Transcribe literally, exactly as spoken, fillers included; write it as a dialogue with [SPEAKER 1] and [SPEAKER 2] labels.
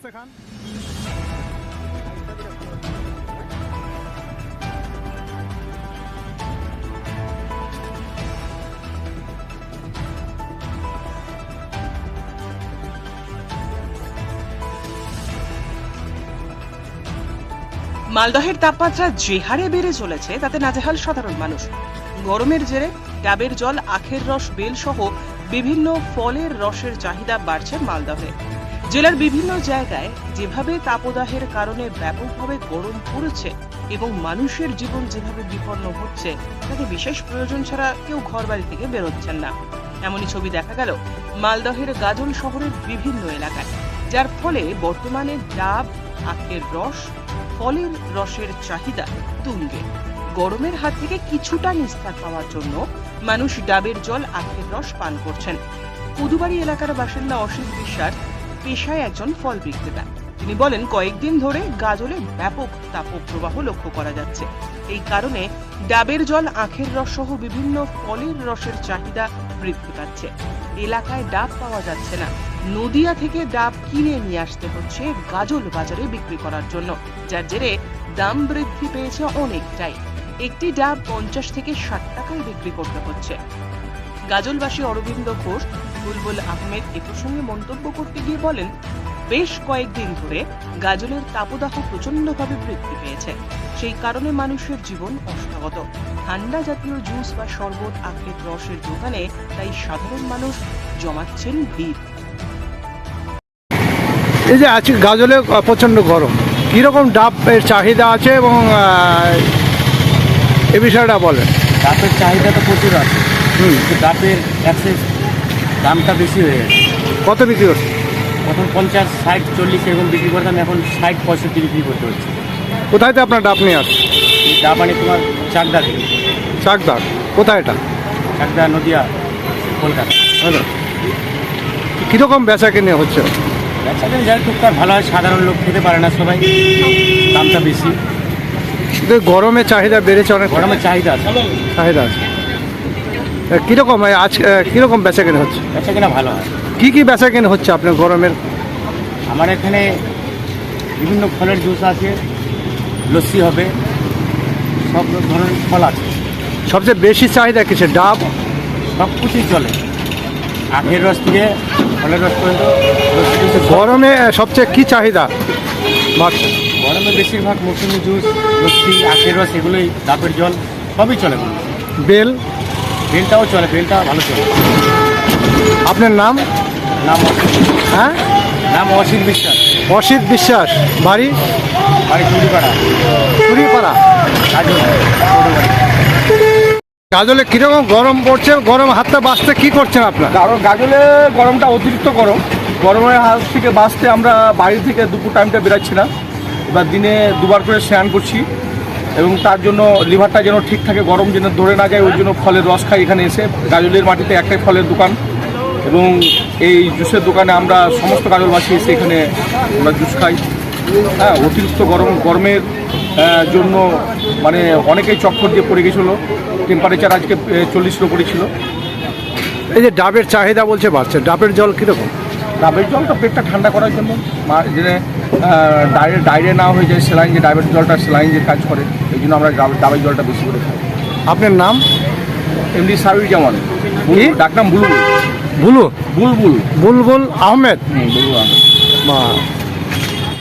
[SPEAKER 1] আসতে খান।
[SPEAKER 2] মালদহের তাপমাত্রা যে হারে বেড়ে চলেছে তাতে নাজেহাল সাধারণ মানুষ। গরমের জেরে ডাবের জল, আখের রস, বেল সহ বিভিন্ন ফলের রসের চাহিদা বাড়ছে মালদহে। জেলার বিভিন্ন জায়গায় যেভাবে তাপদাহের কারণে ব্যাপকভাবে গরম পড়েছে এবং মানুষের জীবন যেভাবে বিপন্ন হচ্ছে তাতে বিশেষ প্রয়োজন ছাড়া কেউ ঘর বাড়ি থেকে বেরোচ্ছেন না। এমনই ছবি দেখা গেল মালদহের গাজল শহরের বিভিন্ন এলাকায়, যার ফলে বর্তমানে ডাব, আখের রস, ফলের রসের চাহিদা তুঙ্গে। গরমের হাত থেকে কিছুটা নিস্তার পাওয়ার জন্য মানুষ ডাবের জল, আখের রস পান করছেন। পুদুবাড়ি এলাকার বাসিন্দা অসিত বিশ্বাস পেশায় একজন ফল বিক্রেতা। তিনি বলেন, কয়েকদিন ধরে গাজলে ব্যাপক তাপপ্রবাহ লক্ষ্য করা যাচ্ছে। এই কারণে ডাবের জল, আখের রস সহ বিভিন্ন ফলের রসের চাহিদা বৃদ্ধি পাচ্ছে। এলাকায় ডাব পাওয়া যাচ্ছে না। নদিয়া থেকে ডাব কিনে নিয়ে আসতে হচ্ছে গাজল বাজারে বিক্রি করার জন্য, যার জেরে দাম বৃদ্ধি পেয়েছে অনেকটাই। একটি ডাব পঞ্চাশ থেকে ষাট টাকায় বিক্রি করতে হচ্ছে। গাজলবাসী অরবিন্দ ঘোষ বুলবুল আহমেদ এ প্রসঙ্গে মন্তব্য করতে গিয়ে বলেন, বেশ কয়েকদিন ধরে গাজলের তাপদাহ প্রচন্ডভাবে বৃদ্ধি পেয়েছে। সেই কারণে মানুষের জীবন অষ্টাগত। ঠান্ডা জাতীয় জুস বা শরবত, আখের রসের দোকানে তাই সাধারণ মানুষ জমাচ্ছেন ভিড়।
[SPEAKER 1] এই যে আজকে গাজলে প্রচণ্ড গরম, কীরকম ডাবের চাহিদা আছে এবং এ বিষয়টা বলেন।
[SPEAKER 3] ডাবের চাহিদা তো প্রচুর আছে,
[SPEAKER 1] হুম,
[SPEAKER 3] ডাবের অ্যাক্সেস দামটা বেশি হয়ে গেছে।
[SPEAKER 1] কত বিক্রি করছে?
[SPEAKER 3] প্রথম পঞ্চাশ, ষাট, চল্লিশ এরকম বিক্রি করতাম, এখন ষাট, পঁয়ষট্টি বিক্রি করতে হচ্ছে।
[SPEAKER 1] কোথায় তো আপনার ডাব নিয়ে আসছে?
[SPEAKER 3] এই ডাব আনি তোমার চাকদা থেকে।
[SPEAKER 1] চাকদা কোথায় এটা?
[SPEAKER 3] চাকদা, নদিয়া, কলকাতা।
[SPEAKER 1] কীরকম বেচা কিনে হচ্ছে?
[SPEAKER 3] ব্যবসা দিন যাই টুকটাক ভালো হয়, সাধারণ লোক খেতে পারে না সবাই, দামটা বেশি।
[SPEAKER 1] কিন্তু গরমের চাহিদা বেড়েছে অনেক।
[SPEAKER 3] গরমের চাহিদা আছে,
[SPEAKER 1] চাহিদা আছে। কীরকম আজ কীরকম বেচা কিনে হচ্ছে?
[SPEAKER 3] ব্যবসা কিনা ভালো হয়।
[SPEAKER 1] কী কী বেচা কিনে হচ্ছে আপনার গরমের?
[SPEAKER 3] আমার এখানে বিভিন্ন ফলের জুস আছে, লস্যি হবে, সব ধরনের ফল আছে।
[SPEAKER 1] সবচেয়ে বেশি চাহিদা কিসে? ডাব,
[SPEAKER 3] সব কিছুই চলে, আখের রস থেকে ফলের রস পর্যন্ত।
[SPEAKER 1] গরমে সবচেয়ে কী চাহিদা বাড়ছে?
[SPEAKER 3] গরমে বেশিরভাগ মৌসুমি জুস, লস্যি, আখের রস, এগুলোই, ডাবের জল সবই চলে।
[SPEAKER 1] বেল,
[SPEAKER 3] বেলটাও চলে, বেলটা ভালো চলে।
[SPEAKER 1] আপনার নাম?
[SPEAKER 3] নাম অসিত।
[SPEAKER 1] হ্যাঁ,
[SPEAKER 3] নাম অসিত বিশ্বাস।
[SPEAKER 1] অসিত বিশ্বাস, বাড়ি?
[SPEAKER 3] বাড়ি চুরিপাড়া।
[SPEAKER 1] চুরিপাড়া।
[SPEAKER 3] গাজল।
[SPEAKER 1] গাজলে কীরকম গরম পড়ছে? গরম হাতটা বাঁচতে কী করছেন আপনার?
[SPEAKER 4] কারণ গাজলে গরমটা অতিরিক্ত গরম, গরমের হাত থেকে বাঁচতে আমরা বাড়ি থেকে দুপুর টাইমটা বেরাচ্ছি না। এবার দিনে দুবার করে স্নান করছি এবং তার জন্য লিভারটা যেন ঠিক থাকে, গরম যেন ধরে না যায়, ওই জন্য ফলের রস খাই এখানে এসে। গাজলের মাটিতে একটাই ফলের দোকান এবং এই জুসের দোকানে আমরা সমস্ত গাজলবাসী এসে এখানে আমরা জুস খাই। হ্যাঁ, অতিরিক্ত গরম গরমের জন্য মানে অনেকেই চক্কর দিয়ে পড়ে গেছিলো। টেম্পারেচার আজকে চল্লিশের উপরে ছিল।
[SPEAKER 1] এই যে ডাবের চাহিদা বলছে বাড়ছে, ডাবের জল কীরকম?
[SPEAKER 4] ডাবের জলটা পেটটা ঠান্ডা করার জন্য, যে ডাইরে ডাইরে না হয়ে যায়, সেলাইন যে ডাবের জলটা সেলাইন যে কাজ করে, এই জন্য আমরা ডাবের জলটা বেশি করে খাই।
[SPEAKER 1] আপনার নাম?
[SPEAKER 4] এমডি সাবির জামান, ডাকনাম বুলবুল।
[SPEAKER 1] বুলু
[SPEAKER 4] বুলবুল
[SPEAKER 1] বুলবুল আহমেদ।
[SPEAKER 4] হুম, বুলবুল আহমেদ।
[SPEAKER 1] বা